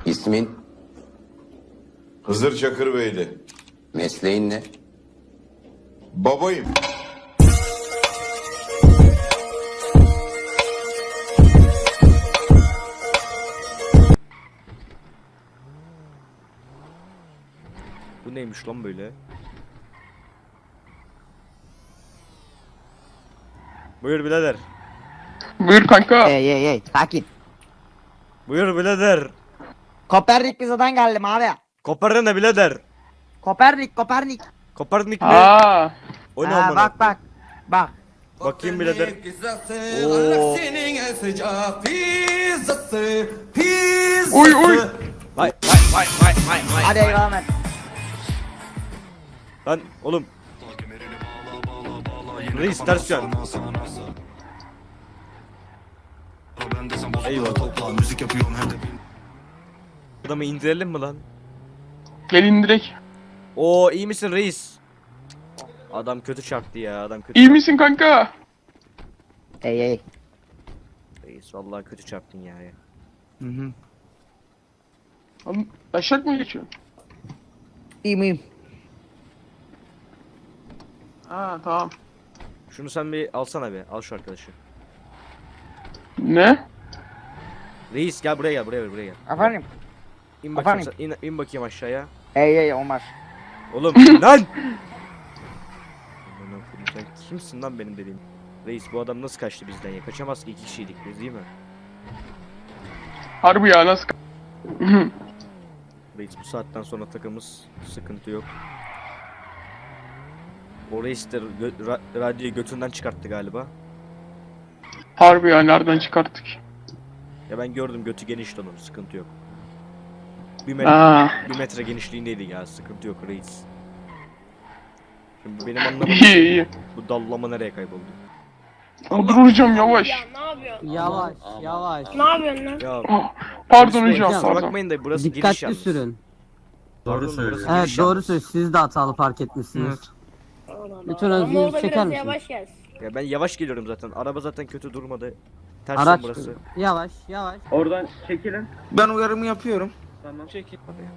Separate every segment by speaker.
Speaker 1: İsmin,
Speaker 2: Hızır Çakırbeyli.
Speaker 1: mesleğin ne?
Speaker 2: Babayım.
Speaker 3: Bu neymiş lan böyle? Buyur birader.
Speaker 4: Buyur kanka.
Speaker 5: Hey sakin.
Speaker 3: Buyur birader.
Speaker 5: Kopernik pizadan geldim abi.
Speaker 3: Koparın ne birader?
Speaker 5: Kopernik.
Speaker 3: Koparnik ne?
Speaker 4: Aa.
Speaker 3: O ne
Speaker 5: Ha,
Speaker 3: amına?
Speaker 5: bak.
Speaker 3: Bakayım birader.
Speaker 4: Uy uy.
Speaker 3: Vay.
Speaker 5: Hadi eyvallah.
Speaker 3: Lan oğlum. Reis ters yön. Eyvallah. Adamı indirelim mi lan?
Speaker 4: Gelin direkt.
Speaker 3: Oo iyi misin reis? Adam kötü çarptı ya, adam kötü.
Speaker 4: İyi misin kanka?
Speaker 5: Hey.
Speaker 3: Reis vallahi kötü çarptın ya.
Speaker 5: Hı.
Speaker 4: Oğlum taşak mı geçiyor?
Speaker 5: İyiyim.
Speaker 4: Ha tamam.
Speaker 3: Şunu sen bir alsana be, al şu arkadaşı.
Speaker 4: Ne?
Speaker 3: Reis gel buraya gel.
Speaker 5: Efendim?
Speaker 3: İn bakayım,
Speaker 5: Efendim?
Speaker 3: in bakayım aşağıya.
Speaker 5: Hey olmaz.
Speaker 3: Oğlum lan! Aman Allah'ım, sen kimsin lan benim dediğim? Reis bu adam nasıl kaçtı bizden ya? Kaçamaz ki, 2 kişiydik biz değil mi?
Speaker 4: Harbi ya nasıl?
Speaker 3: Reis bu saatten sonra takımız sıkıntı yok. O reis de radyoyu götünden çıkarttı galiba.
Speaker 4: Harbi ya nereden çıkarttık?
Speaker 3: Ya ben gördüm, götü genişti onun, sıkıntı yok. Bir metre genişliğindeydi ya, sıkıntı yok reis. Şimdi benim anlamadığım
Speaker 4: iyi.
Speaker 3: bu dallama nereye kayboldu?
Speaker 4: Dur hocam yavaş.
Speaker 6: Ya ne yapıyorsun?
Speaker 7: Yavaş.
Speaker 6: Ne yapıyorsun lan?
Speaker 3: Ya
Speaker 4: Pardon
Speaker 3: polis bey,
Speaker 4: hocam
Speaker 3: kusura
Speaker 4: pardon.
Speaker 3: bakmayın da burası giriş
Speaker 7: Dikkatli
Speaker 3: yalnız.
Speaker 7: sürün.
Speaker 3: Doğru söylüyorsun.
Speaker 7: Evet doğru söylüyorsun. Siz de hatalı park etmişsiniz. Lütfen
Speaker 6: Ama
Speaker 7: özgürlüğünüzü
Speaker 6: o da
Speaker 7: çeker
Speaker 6: biraz
Speaker 7: misiniz?
Speaker 6: yavaş gelsin.
Speaker 3: Ya ben yavaş geliyorum zaten. Araba zaten kötü durmadı. Ters
Speaker 7: Araç
Speaker 3: burası.
Speaker 7: yavaş.
Speaker 8: Oradan çekilin.
Speaker 9: Ben uyarımı yapıyorum.
Speaker 8: Tamam. Çekil.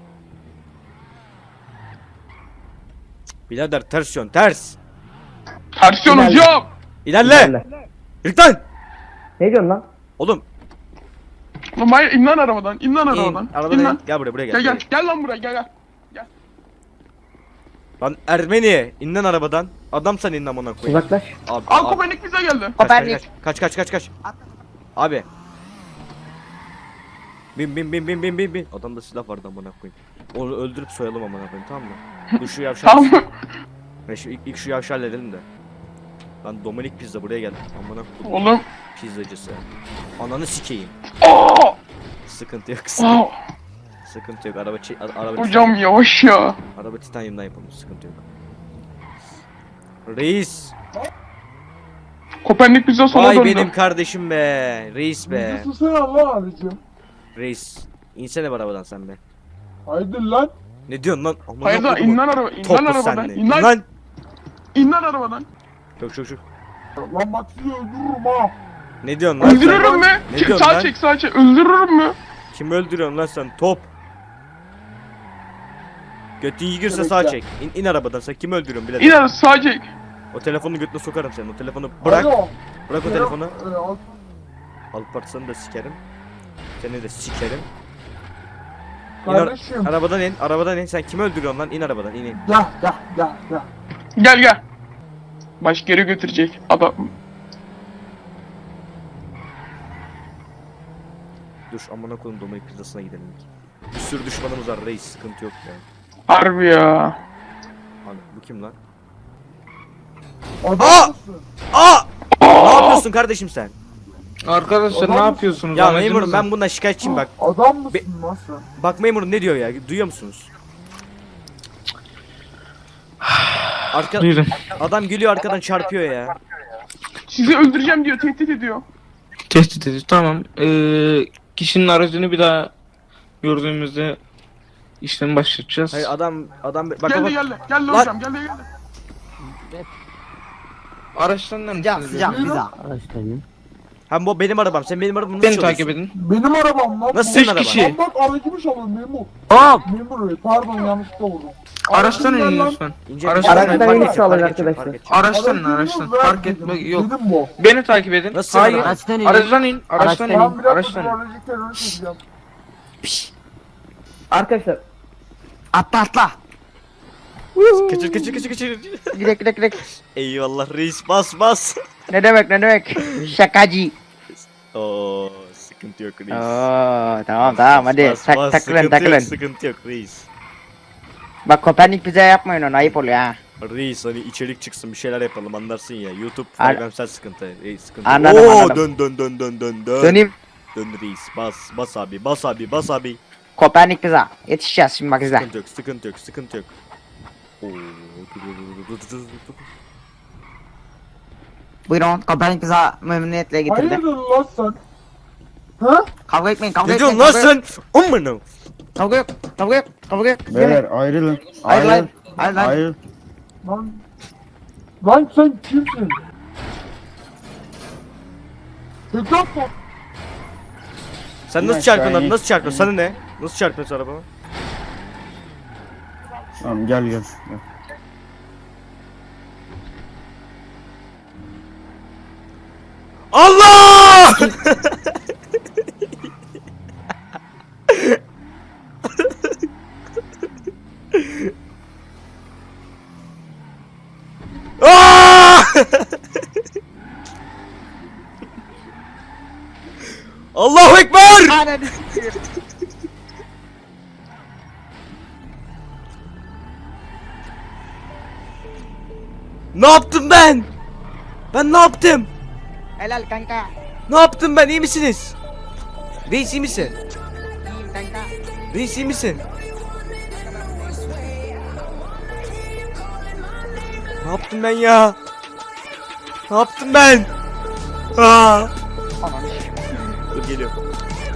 Speaker 3: Birader ters yön, ters.
Speaker 4: Tersiyon hocam.
Speaker 3: İlerle. Yürü lan.
Speaker 5: Ne diyorsun lan?
Speaker 3: Oğlum
Speaker 4: Lan hayır in lan arabadan. İn lan
Speaker 3: in.
Speaker 4: arabadan.
Speaker 3: Arabadan
Speaker 4: İn
Speaker 3: in.
Speaker 4: lan.
Speaker 3: Gel buraya
Speaker 4: Gel
Speaker 3: gel.
Speaker 4: gel. Gel lan buraya gel.
Speaker 3: Lan Ermeni, in lan arabadan. Adam sen in amına koyayım.
Speaker 5: Uzaklaş.
Speaker 3: Abi,
Speaker 4: Al
Speaker 3: abi.
Speaker 4: Kopernik bize geldi.
Speaker 5: Kopernik.
Speaker 3: Kaç. Abi. Bin. Adamda silah vardı amına koyayım. Onu öldürüp soyalım amına koyayım, tamam mı? Dur şu yavşak.
Speaker 4: Tamam mı?
Speaker 3: Ve şu ilk şu yavşağı halledelim de. Lan Dominik Pizza buraya gel. Amına koyayım.
Speaker 4: Oğlum.
Speaker 3: Pizzacısı. Ananı sikeyim.
Speaker 4: Aa!
Speaker 3: Sıkıntı yok.
Speaker 4: Aa!
Speaker 3: Sıkıntı yok. Araba
Speaker 4: Hocam yavaş ya.
Speaker 3: Araba titanyumdan yapılmış, sıkıntı yok. Reis.
Speaker 4: Kopernik bize sola
Speaker 3: Vay
Speaker 4: döndü.
Speaker 3: benim kardeşim be. Reis be.
Speaker 9: Susana Allah abicim.
Speaker 3: Reis. İnsene bu arabadan sen be.
Speaker 9: Haydi lan.
Speaker 3: Ne diyorsun lan? Amına
Speaker 4: Hayır lan
Speaker 3: koyduğum
Speaker 4: in lan araba. İn lan
Speaker 3: toplu
Speaker 4: arabadan.
Speaker 3: senle.
Speaker 4: İn lan. İn lan arabadan.
Speaker 3: Çok.
Speaker 9: Lan bak sizi öldürürüm ha.
Speaker 3: Ne diyorsun lan sen?
Speaker 4: Öldürürüm mü?
Speaker 3: Ne diyorsun
Speaker 4: Sağ
Speaker 3: lan?
Speaker 4: çek sağ çek. Öldürürüm mü?
Speaker 3: Kim öldürüyorsun lan sen? Top. Götün yigirse sağ çek. İn arabadan, sen kimi öldürüyorsun birader?
Speaker 4: İn araba sağ çek.
Speaker 3: O telefonu götüne sokarım senin. O telefonu bırak.
Speaker 9: Alo.
Speaker 3: Bırak o telefonu.
Speaker 9: Al.
Speaker 3: Alparslan'ı da sikerim. Seni de sikerim.
Speaker 9: Kardeşim.
Speaker 3: Arabadan in. Sen kimi öldürüyorsun lan? İn arabadan, in.
Speaker 9: Gel.
Speaker 4: Gel. Baş geri götürecek. Adam.
Speaker 3: Dur amına koyayım, Dominik pizzasına gidelim. Bir sürü düşmanımız var reis, sıkıntı yok ya.
Speaker 4: Harbi ya.
Speaker 3: Abi bu kim lan?
Speaker 9: Adam mısın?
Speaker 3: Ne yapıyorsun kardeşim sen?
Speaker 9: Arkadaşlar ne yapıyorsunuz?
Speaker 3: Ya memurum, ben bundan şikayetçiyim bak.
Speaker 9: Adam mısın lan sen?
Speaker 3: Bak memurum ne diyor ya, duyuyor musunuz?
Speaker 8: Buyurun.
Speaker 3: Adam geliyor arkadan çarpıyor ya.
Speaker 4: Sizi öldüreceğim diyor. Tehdit ediyor.
Speaker 8: Tehdit ediyor. Tamam. Kişinin aracını bir daha gördüğümüzde işlemi başlatacağız.
Speaker 3: Hayır adam bak
Speaker 4: Geldi. Geldi
Speaker 3: Lan.
Speaker 4: hocam. Geldi.
Speaker 8: Araçtan ne
Speaker 5: Sıcak
Speaker 8: misiniz?
Speaker 5: bize.
Speaker 7: Araçlarını.
Speaker 3: Ha bu benim arabam. Sen benim arabamı nasıl
Speaker 8: Beni takip
Speaker 3: çalıyorsun?
Speaker 8: edin.
Speaker 9: Benim arabam lan.
Speaker 3: Nasıl
Speaker 9: bu.
Speaker 3: senin
Speaker 8: Üç
Speaker 3: araban?
Speaker 8: kişi.
Speaker 9: Lan bak aracımı çalıyor memur.
Speaker 7: Hop.
Speaker 9: Memur bey pardon yanlışlıkla vurdum.
Speaker 8: Araçtan
Speaker 9: Aracım
Speaker 8: inin
Speaker 9: ver lan.
Speaker 8: lütfen.
Speaker 3: İnce
Speaker 8: Araçtan
Speaker 3: fark
Speaker 8: inin.
Speaker 3: edeceğim,
Speaker 5: iniş
Speaker 3: fark
Speaker 5: alın
Speaker 3: edeceğim,
Speaker 5: arkadaşlar.
Speaker 3: fark edeceğim.
Speaker 8: Araçtan in,
Speaker 9: Aracımı
Speaker 8: araçtan.
Speaker 9: ver
Speaker 8: Fark
Speaker 9: dedim,
Speaker 8: etme yok.
Speaker 9: Dedim bu.
Speaker 8: Beni takip edin.
Speaker 3: Nasıl
Speaker 8: Hayır.
Speaker 3: araba?
Speaker 7: Araçtan in.
Speaker 8: Araçtan in. Araçtan
Speaker 7: Araçtan
Speaker 8: in.
Speaker 7: in.
Speaker 9: Ben bir dakika
Speaker 8: Araçtan in.
Speaker 9: aracı terörü çekeceğim.
Speaker 5: Arkadaşlar
Speaker 7: Atla atla.
Speaker 3: Kaçır kaçır kaçır kaçır.
Speaker 5: Gidek gidek gidek.
Speaker 3: Eyvallah reis bas bas.
Speaker 5: Ne demek ne demek? Şakacı.
Speaker 3: Oo sıkıntı yok reis.
Speaker 5: Oo tamam tamam hadi
Speaker 3: Bas, bas,
Speaker 5: takılın
Speaker 3: sıkıntı
Speaker 5: takılın.
Speaker 3: Yok, sıkıntı yok reis.
Speaker 5: Bak Kopernik bize yapmayın onu ayıp oluyor ha.
Speaker 3: Reis hani içerik çıksın bir şeyler yapalım anlarsın ya. YouTube
Speaker 5: An-
Speaker 3: faybemsel sıkıntı. Reis sıkıntı.
Speaker 5: Anladım,
Speaker 3: Oo,
Speaker 5: anladım.
Speaker 3: dön.
Speaker 5: Döneyim.
Speaker 3: Dön reis bas abi bas abi bas abi.
Speaker 5: Kopernik bize. Yetişeceğiz şimdi bak izle.
Speaker 3: Sıkıntı yok. Oo, dur.
Speaker 5: Buyurun Kopernik bize memnuniyetle getirdi.
Speaker 9: Hayırdır lan sen? Ha?
Speaker 5: Kavga etmeyin kavga
Speaker 3: Ne
Speaker 5: etmeyin.
Speaker 3: diyorsun lan sen? Amına.
Speaker 5: Kavga yok kavga yok kavga yok.
Speaker 1: Beyler ayrılın.
Speaker 5: Hayır lan. Hayır lan.
Speaker 1: Ayrıl.
Speaker 9: Lan. Lan sen kimsin? Tekrar mı?
Speaker 3: Sen
Speaker 1: İn
Speaker 3: nasıl
Speaker 1: aşağı,
Speaker 3: çarpıyorsun
Speaker 1: in.
Speaker 3: lan? Nasıl çarpıyorsun? Sana ne? Nasıl çarpıyorsun arabama?
Speaker 1: Tamam gel.
Speaker 3: Allah! Aa! Allahu Ekber!
Speaker 5: Ananı
Speaker 3: Ne yaptım ben? Ben ne yaptım?
Speaker 5: helal kanka.
Speaker 3: Ne yaptım ben? İyi misiniz? Reis iyi misin?
Speaker 5: İyiyim kanka.
Speaker 3: Reis iyi misin? Ne yaptım ben ya? Ne yaptım ben? Aa!
Speaker 5: Ananı
Speaker 3: Dur geliyorum.